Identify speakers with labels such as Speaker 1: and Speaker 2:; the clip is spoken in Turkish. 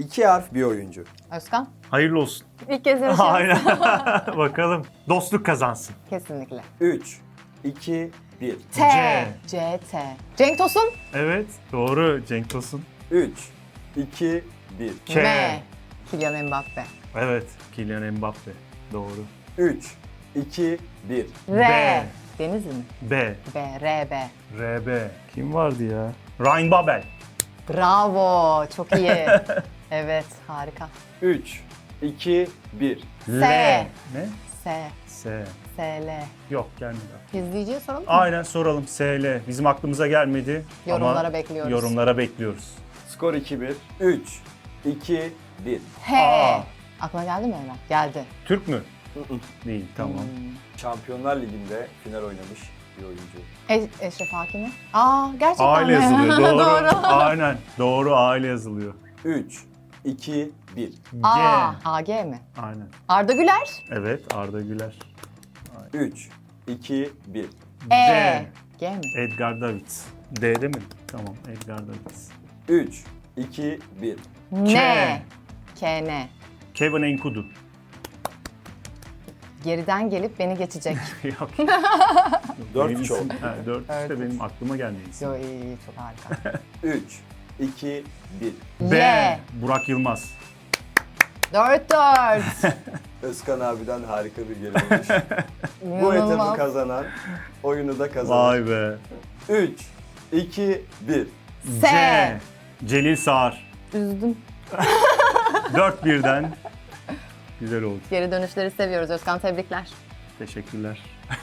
Speaker 1: 2 harf bir oyuncu.
Speaker 2: Özkan.
Speaker 3: Hayırlı olsun.
Speaker 2: İlk kez yarışıyoruz.
Speaker 3: Aynen. Bakalım. Dostluk kazansın.
Speaker 2: Kesinlikle.
Speaker 1: 3, 2, 1.
Speaker 2: T. C. T. Cenk Tosun.
Speaker 3: Evet. Doğru Cenk Tosun.
Speaker 1: 3, 2, 1.
Speaker 3: K.
Speaker 2: M. Kylian Mbappe.
Speaker 3: Evet. Kylian Mbappe. Doğru.
Speaker 1: 3, 2, 1.
Speaker 2: R.
Speaker 3: B.
Speaker 2: Denizli mi?
Speaker 3: B.
Speaker 2: B. R. B.
Speaker 3: RB. Kim vardı ya? Ryan Babel.
Speaker 2: Bravo. Çok iyi. Evet. Harika.
Speaker 1: 3, 2, 1.
Speaker 3: L.
Speaker 2: S.
Speaker 3: Ne?
Speaker 2: S.
Speaker 3: S.
Speaker 2: S. L.
Speaker 3: Yok gelmedi.
Speaker 2: İzleyiciye soralım mı?
Speaker 3: Aynen soralım. SL. Bizim aklımıza gelmedi.
Speaker 2: Yorumlara
Speaker 3: ama
Speaker 2: bekliyoruz.
Speaker 3: Yorumlara bekliyoruz.
Speaker 1: Skor 2-1. 3, 2, 1.
Speaker 2: H.
Speaker 3: Aa.
Speaker 2: Aklına geldi mi Ömer? Geldi.
Speaker 3: Türk mü? Değil. Tamam.
Speaker 1: Şampiyonlar Ligi'nde final oynamış bir oyuncu.
Speaker 2: Eşref Hakimi. Aa, gerçekten
Speaker 3: Aile
Speaker 2: mi?
Speaker 3: yazılıyor. Doğru.
Speaker 2: Doğru.
Speaker 3: Aynen. Doğru aile yazılıyor.
Speaker 1: 3, 2, 1.
Speaker 3: G.
Speaker 2: A. AG mi?
Speaker 3: Aynen.
Speaker 2: Arda Güler.
Speaker 3: Evet Arda Güler.
Speaker 1: 3, 2, 1.
Speaker 2: E. G mi?
Speaker 3: Edgar Davids. D'de mi? Tamam Edgar Davids.
Speaker 1: 3, 2, 1.
Speaker 2: N. K. N.
Speaker 3: Kevin Enkudu.
Speaker 2: Geriden gelip beni geçecek.
Speaker 3: Yok.
Speaker 1: 4
Speaker 3: Benim
Speaker 1: çok.
Speaker 3: isim- Ha, 4 işte
Speaker 2: Evet.
Speaker 3: benim aklıma gelmeyi isim.
Speaker 2: Yo iyi, çok harika.
Speaker 1: 3, 2, 1.
Speaker 3: B.
Speaker 2: Y.
Speaker 3: Burak Yılmaz.
Speaker 2: 4-4.
Speaker 1: Özkan abiden harika bir geri olmuş. Bu etabı
Speaker 2: İnanılmaz.
Speaker 1: kazanan, oyunu da kazanan.
Speaker 3: Vay be.
Speaker 1: 3, 2, 1.
Speaker 2: S.
Speaker 3: C. Celil Sağar.
Speaker 2: Üzdüm.
Speaker 3: 4-1'den. Güzel oldu.
Speaker 2: Geri dönüşleri seviyoruz Özkan, tebrikler.
Speaker 3: Teşekkürler.